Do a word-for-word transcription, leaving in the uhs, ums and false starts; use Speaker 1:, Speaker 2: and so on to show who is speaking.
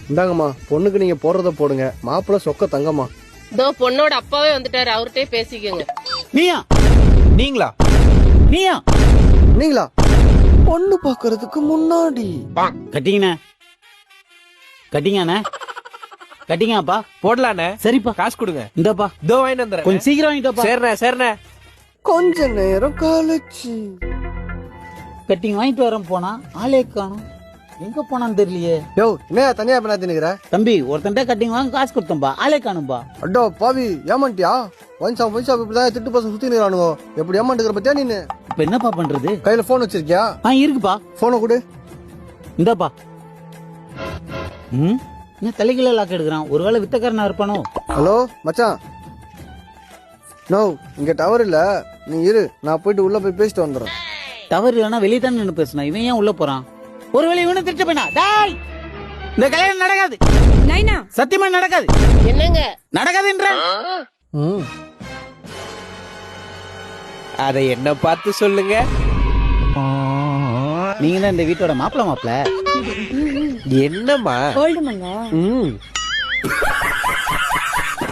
Speaker 1: இந்தாங்கம்மா, பொண்ணுக்கு நீங்க போடுறத போடுங்க. மாப்பிள்ள சொக்க தங்கம்மா.
Speaker 2: இதோ பொண்ணோட அப்பாவே வந்துட்டாரு, அவர்கிட்டயே பேசிக்கோங்க.
Speaker 3: நீயா
Speaker 4: நீங்களா
Speaker 3: நீயா
Speaker 1: நீங்களா? பொண்ணு பாக்குறதுக்கு முன்னாடி
Speaker 3: கட்டிங்கண்ணே கட்டிங்கண்ணே கட்டிங்கப்பா.
Speaker 4: போடலாண்ணே.
Speaker 3: சரிப்பா,
Speaker 4: காசு கொடுங்க.
Speaker 3: இந்தப்பா
Speaker 4: இதோ வாங்கிட்டு வந்துடுறேன்.
Speaker 3: கொஞ்சம் சீக்கிரம் வாங்கிட்டப்பா.
Speaker 4: சரிண்ணே சரிண்ணே.
Speaker 1: கொஞ்ச நேரம் கழிச்சு
Speaker 3: கட்டிங் வாங்கிட்டு வரேன் போனா ஆளே காணும். எங்க போனான்னு தெரியலையே.
Speaker 1: யோ, என்ன தனியா பண்ணா தின்னுக்கிற?
Speaker 3: தம்பி ஒருத்தன்ட்ட கட்டிங் வாங்க காசு கொடுத்தம்பா, ஆளே காணும்பா.
Speaker 1: அடோ பாவி, ஏமாண்டியா? ஒன்சா ஒன்சா இப்படிதான் திட்டு பசங்க சுத்தி நிறானுங்க. எப்படி ஏமாண்டுக்கிற பத்தியா நீ?
Speaker 3: இப்ப என்னப்பா பண்றது?
Speaker 1: கையில போன் வச்சிருக்கியா?
Speaker 3: ஆ இருக்குப்பா.
Speaker 1: போனை கொடு.
Speaker 3: இந்தாப்பா. ம் என்ன தலைகளை லாக் எடுக்கிறான்? ஒருவேளை வித்தக்காரனா இருப்பானோ?
Speaker 1: ஹலோ மச்சான். நோ, இங்க டவர் இல்ல. நீ இரு, நான் போயிட்டு உள்ள போய் பேசிட்டு வந்துடுறேன்.
Speaker 3: டவர் இல்லைன்னா வெளியே தான் நின்று பேசினா, இவன் ஏன் உள்ள போறான்? ஒருவேளை இவனை திட்ட போயினா டாய், இந்த கல்யாணம் நடக்காது.
Speaker 2: நைனா
Speaker 3: சத்தியமா நடக்காது.
Speaker 2: என்னங்க
Speaker 3: நடக்காதுன்ற
Speaker 1: ம்
Speaker 4: அதை என்ன பார்த்து சொல்லுங்க.
Speaker 3: நீங்க தான் இந்த வீட்டோட மாப்பிள்ள மாப்பிள்ள.
Speaker 4: என்னம்மா?
Speaker 2: கோல்டு மங்க
Speaker 4: ம்